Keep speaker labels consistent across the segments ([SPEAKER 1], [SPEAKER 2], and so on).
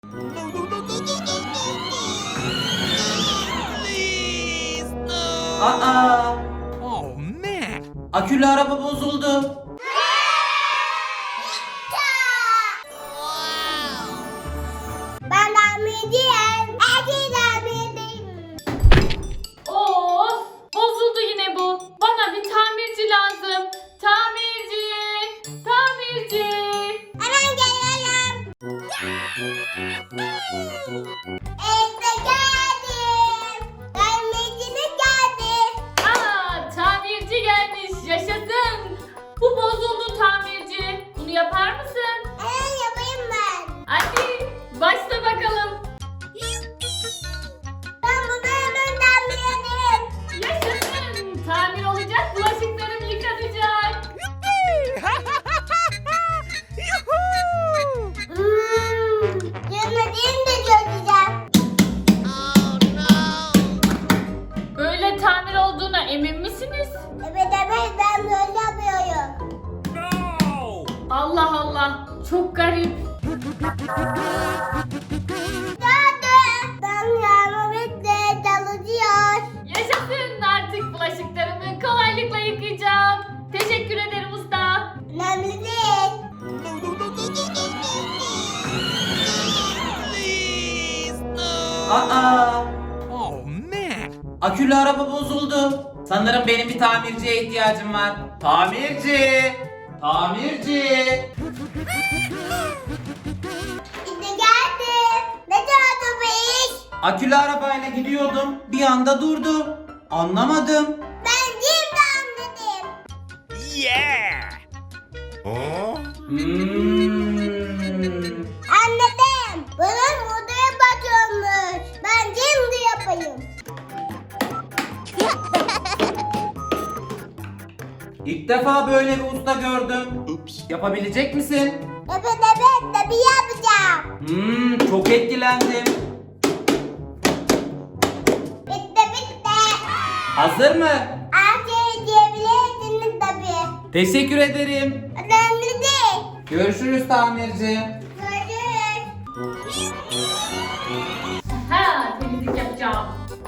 [SPEAKER 1] Aa!
[SPEAKER 2] Oh man!
[SPEAKER 1] Akülü araba bozuldu.
[SPEAKER 3] Ben tamirciyim. Erkek tamirciyim.
[SPEAKER 4] Of! Bozuldu yine bu. Bana bir tamirci lazım. Tamirci! Tamirci!
[SPEAKER 3] Hemen geliyorum. İşte geldim. Tamirciniz geldi.
[SPEAKER 4] Aa, tamirci gelmiş. Yaşasın. Bu bozuldu tamirci. Bunu yapar mısın?
[SPEAKER 3] Hemen yapayım ben.
[SPEAKER 4] Hadi başla bakalım.
[SPEAKER 3] Ben bunu hemen tamir ederim.
[SPEAKER 4] Yaşasın. Tamir olacak. Bulaşıklarım yıkanacak.
[SPEAKER 3] Yemediğimi de çözeceğim.
[SPEAKER 4] Böyle tamir olduğuna emin misiniz?
[SPEAKER 3] Evet ben böyle yapıyorum.
[SPEAKER 2] No!
[SPEAKER 4] Allah Allah. Çok garip.
[SPEAKER 3] Geldim. Ben yardım etle çalışıyor.
[SPEAKER 4] Yaşasın. Artık bulaşıklarımı kolaylıkla yıkayacağım. Teşekkür ederim usta.
[SPEAKER 3] Önemli değil.
[SPEAKER 2] Please, no!
[SPEAKER 1] Aa!
[SPEAKER 2] Oh man!
[SPEAKER 1] Akülü araba bozuldu. Sanırım benim bir tamirciye ihtiyacım var. Tamirci! Tamirci!
[SPEAKER 3] İşte geldim. Ne oldu bu iş?
[SPEAKER 1] Akülü arabayla gidiyordum. Bir anda durdu. Anlamadım.
[SPEAKER 3] Ben şimdi anladım.
[SPEAKER 2] Yeah! Oh?
[SPEAKER 3] Anladım. Bunun modaya bakıyormuş. Ben şimdi yapayım.
[SPEAKER 1] İlk defa böyle bir usta gördüm. Yapabilecek misin?
[SPEAKER 3] Evet tabii yapacağım.
[SPEAKER 1] Çok etkilendim.
[SPEAKER 3] Bitti.
[SPEAKER 1] Hazır mı?
[SPEAKER 3] Her şeyi diyebilirsiniz tabii.
[SPEAKER 1] Teşekkür ederim.
[SPEAKER 3] Önemli değil.
[SPEAKER 1] Görüşürüz tamirci.
[SPEAKER 3] Görüşürüz.
[SPEAKER 4] Ha, temizlik yapacağım.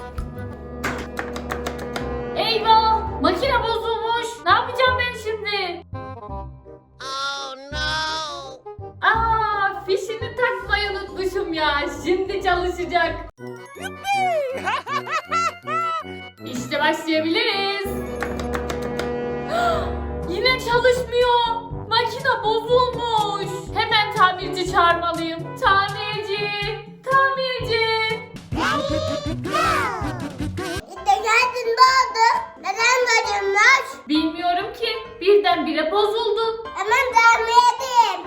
[SPEAKER 4] Eyvah! Makine bozulmuş. Ne yapacağım ben şimdi? Oh no! Aa, fişini takmayı unutmuşum ya. Şimdi çalışacak. İşte başlayabiliriz. Yine çalışmıyor. Makine bozulmuş. Hemen tamirci çağırmalıyım. Tamirci! Tamirci!
[SPEAKER 3] İşte geldin ne oldu? Neden bozulmuş?
[SPEAKER 4] Bilmiyorum ki. Birdenbire bozuldu.
[SPEAKER 3] Hemen tamir edeyim.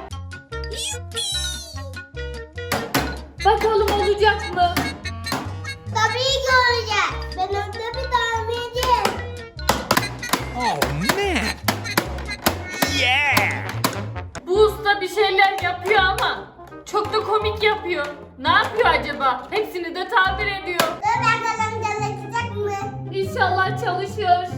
[SPEAKER 4] Bakalım olacak mı?
[SPEAKER 3] Tabii ki olacak. Ben orada bir tamirciyim.
[SPEAKER 2] Oh man! Yeah!
[SPEAKER 4] Bu usta bir şeyler yapıyor ama çok da komik yapıyor. Ne yapıyor acaba? Hepsini de tamir ediyor.
[SPEAKER 3] Dur bakalım çalışacak mı?
[SPEAKER 4] İnşallah çalışıyor.